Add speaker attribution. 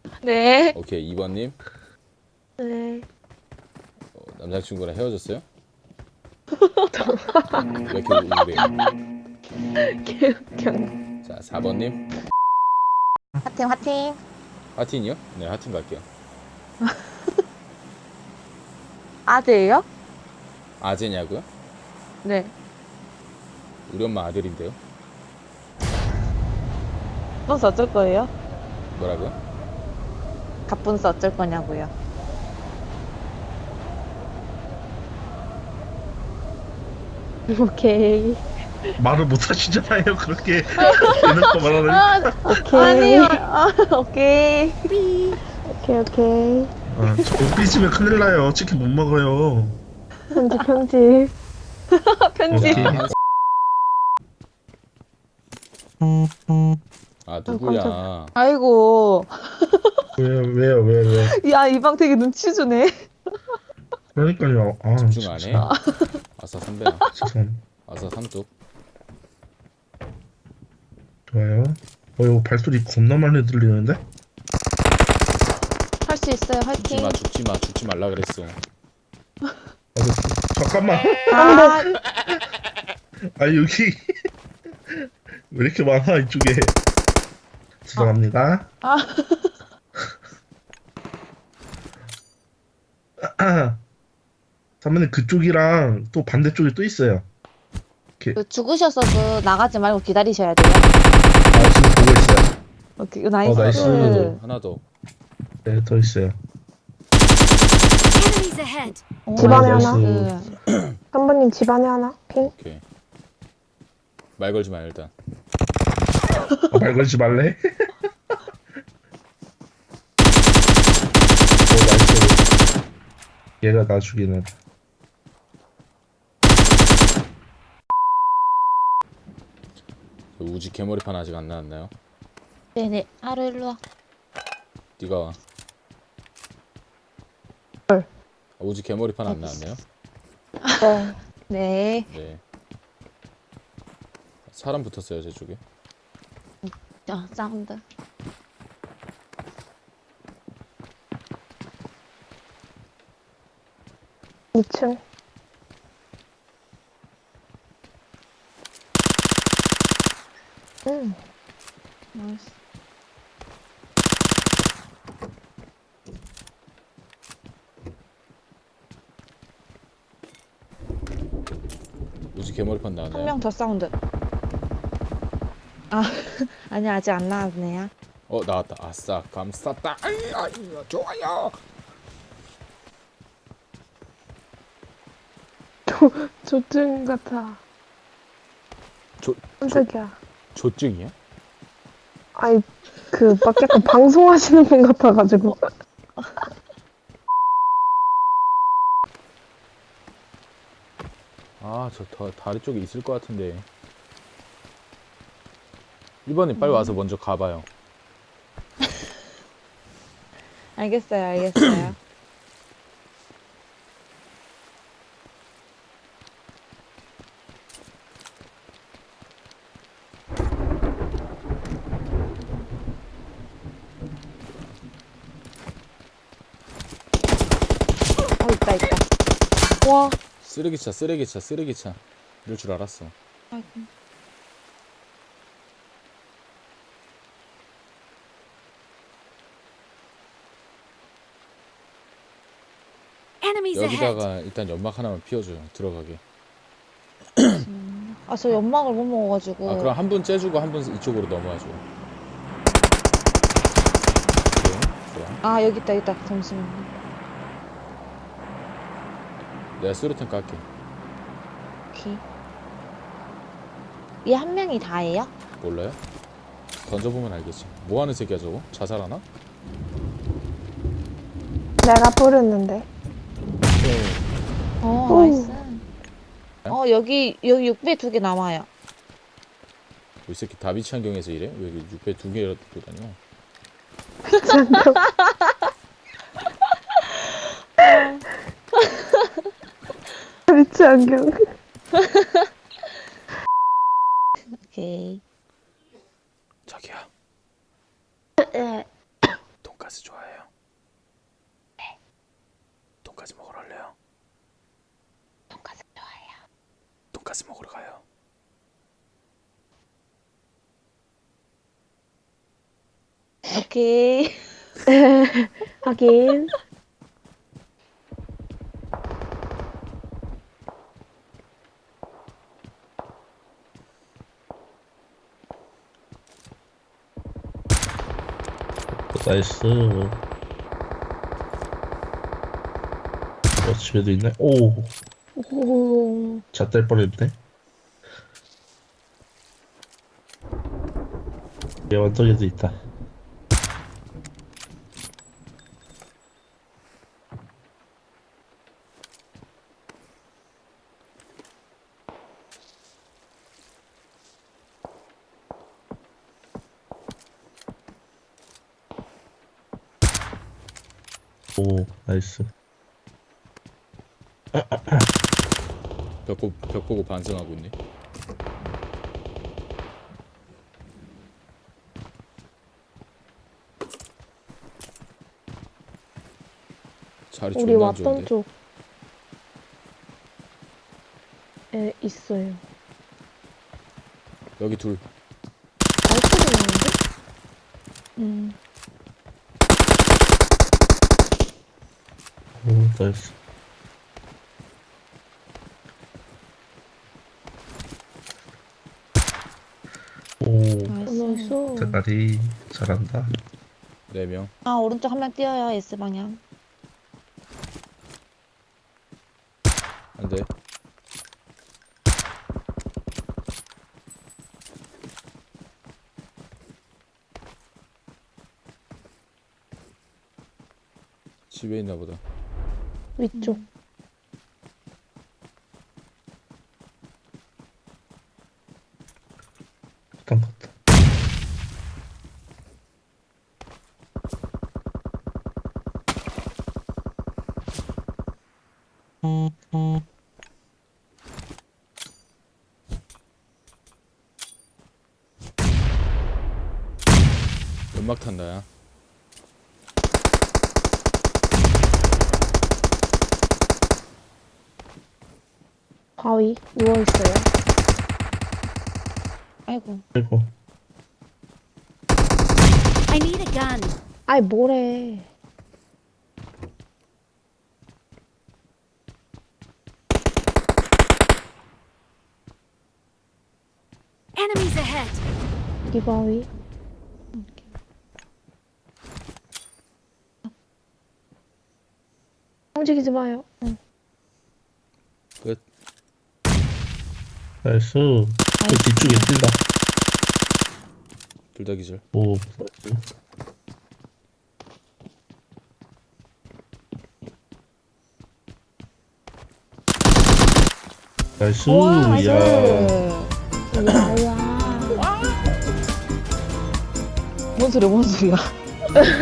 Speaker 1: 네.
Speaker 2: 오케이 2번님
Speaker 1: 네.
Speaker 2: 남자친구랑 헤어졌어요? 왜 이렇게 우울해요?
Speaker 1: 개웃겨.
Speaker 2: 자 4번님
Speaker 1: 화팅, 화팅.
Speaker 2: 하틴이요? 네 하틴 갈게요.
Speaker 1: 아재예요?
Speaker 2: 아재냐고요?
Speaker 1: 네.
Speaker 2: 우리 엄마 아들인데요.
Speaker 1: 갑분스 어쩔 거예요?
Speaker 2: 뭐라고요?
Speaker 1: 갑분스 어쩔 거냐고요. 오케이.
Speaker 3: 말을 못 하시잖아요. 그렇게 대놓고 말하는.
Speaker 1: 오케이. 아니요. 오케이. 오케이, 오케이.
Speaker 3: 아, 저거 삐지면 큰일 나요. 치킨 못 먹어요.
Speaker 1: 편집, 편집. 편집.
Speaker 3: 오케이.
Speaker 2: 아 누구야?
Speaker 1: 깜짝이야. 아이고.
Speaker 3: 왜요?
Speaker 1: 야, 이 방 되게 눈치 주네.
Speaker 3: 그러니까요. 아,
Speaker 2: 집중 안 해?
Speaker 3: 진짜.
Speaker 2: 아싸 선배야.
Speaker 3: 죄송합니다.
Speaker 2: 아싸 삼뚝.
Speaker 3: 좋아요. 이거 발소리 겁나 많이 들리는데?
Speaker 1: 할 수 있어요. 화이팅.
Speaker 2: 죽지 말라 그랬어.
Speaker 3: 잠깐만.
Speaker 1: 아,
Speaker 3: 아, 여기. 왜 이렇게 많아, 이쪽에. 죄송합니다. 선배님, 그쪽이랑 또 반대쪽에 또 있어요.
Speaker 1: 그 죽으셔서도 나가지 말고 기다리셔야 돼요.
Speaker 3: 아, 지금 보고 있어요.
Speaker 1: 오케이, 나이스.
Speaker 3: 나이스.
Speaker 2: 하나 더.
Speaker 3: 네, 더 있어요.
Speaker 4: Enemies ahead.
Speaker 5: 집안에
Speaker 3: 나이스.
Speaker 5: 하나? 선배님 집안에 하나? 핑?
Speaker 2: 오케이. 말 걸지 마 일단.
Speaker 3: 말 걸지 말래? 나이스. 얘가 나 죽이네.
Speaker 2: 우지 개머리판 아직 안 나왔나요?
Speaker 1: 네네. 하루 일로 와.
Speaker 2: 네가 와.
Speaker 5: 헐.
Speaker 2: 우지 개머리판 안 나왔나요?
Speaker 5: 네.
Speaker 1: 네.
Speaker 2: 네. 사람 붙었어요 제 쪽에.
Speaker 1: 사운드.
Speaker 5: 이층
Speaker 1: 나이스.
Speaker 2: 우지 개머리판
Speaker 1: 한
Speaker 2: 나왔나요?
Speaker 1: 명 더 사운드. 아, 아니 아직 안 나왔네요.
Speaker 2: 나왔다. 아싸 감쌌다. 아이 좋아요.
Speaker 5: 조증 같아.
Speaker 2: 조
Speaker 5: 깜짝이야.
Speaker 2: 조증이야?
Speaker 5: 아이, 막 약간 방송하시는 분 같아가지고.
Speaker 2: 저 다리 쪽에 있을 것 같은데. 1번님 빨리 와서 먼저 가봐요.
Speaker 1: 알겠어요, 알겠어요. 있다, 있다. 와.
Speaker 2: 쓰레기차. 이럴 줄 알았어.
Speaker 1: 아이고.
Speaker 4: Enemies ahead.
Speaker 2: 여기다가 일단 연막 하나만 피워줘요. 들어가게.
Speaker 1: 아, 저 연막을 못 먹어가지고.
Speaker 2: 그럼 한 분 째주고 한 분 이쪽으로 넘어와줘. 좋아.
Speaker 1: 아, 여기 있다. 잠시만요.
Speaker 2: 내가 수류탄 깔게.
Speaker 1: 오케이. 이 한 명이 다예요?
Speaker 2: 몰라요? 던져보면 알겠지. 뭐하는 새끼야 저거? 자살하나?
Speaker 5: 내가 부르는데.
Speaker 1: 나이스. 여기 6배 2개 남아요.
Speaker 2: 이 새끼 다비치 환경에서 이래? 왜 6배 2개라도 다녀?
Speaker 5: 리치 안경.
Speaker 1: 오케이.
Speaker 2: 자기야. 돈가스 돈가스 먹으러 가요.
Speaker 1: 오케이.
Speaker 5: 하긴.
Speaker 3: 나이스. 집에도 있네. 오,
Speaker 5: 오.
Speaker 3: 잣될 뻔했네. 얘 완덕에도 있다. 오, 나이스.
Speaker 2: 벽 보고 반성하고 있네. 자리
Speaker 5: 우리
Speaker 2: 존나 안
Speaker 5: 왔던
Speaker 2: 좋은데.
Speaker 5: 쪽에 있어요.
Speaker 2: 여기 둘.
Speaker 5: 발소리 나는데?
Speaker 3: 오, 나이스. 오,
Speaker 5: 나이스.
Speaker 3: 대가리 잘한다.
Speaker 2: 4명.
Speaker 1: 아, 오른쪽 한 명 뛰어요, S방향.
Speaker 2: 안 돼. 집에 있나 보다.
Speaker 5: 위쪽.
Speaker 3: 일단 봤다.
Speaker 2: 연막 탄다, 야.
Speaker 5: 바위 누워있어요.
Speaker 1: 아이고.
Speaker 3: 그리고
Speaker 4: I need a gun.
Speaker 5: 아이, 뭐래.
Speaker 4: Enemies ahead.
Speaker 5: 이 바위. 움직이지 마요.
Speaker 2: 끝.
Speaker 3: 나이스. 그 뒤쪽에 뛴다.
Speaker 2: 둘 다 기절.
Speaker 3: 오, 나이스. 나이스.
Speaker 1: 우와,
Speaker 3: 야.
Speaker 1: 야야. 뭔 소리야, 뭔 소리야.